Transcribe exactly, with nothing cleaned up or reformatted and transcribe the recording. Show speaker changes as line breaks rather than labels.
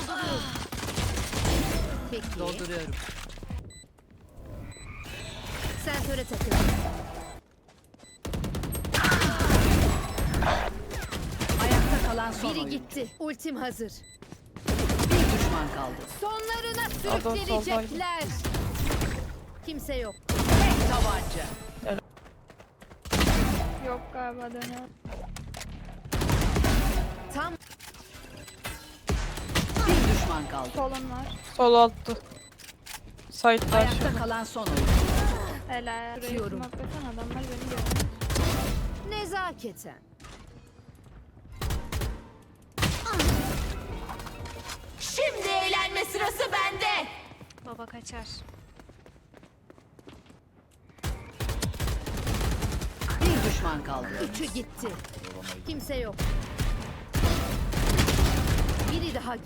Dolduruyorum. Peki.
Dolduruyorum.
Sensöre takıl.
Ayakta kalan son
Biri
oyun.
gitti. Ultim hazır.
Bir düşman kaldı.
Sonlarına
Adam
sürükleyecekler. Kimse yok.
Tek tabanca.
Yok galiba dönüyor.
Tam
Bir düşman kaldı.
Solun var.
Sol altta. Site'lar.
Ayakta kalan son oyun.
Helal. Burayı
Atıyorum.
smoklasan adamlar beni görüyor.
nezaketen. Şimdi eğlenme sırası bende.
Baba kaçar.
Bir düşman kaldı.
Üçü gitti. Kimse yok. Biri daha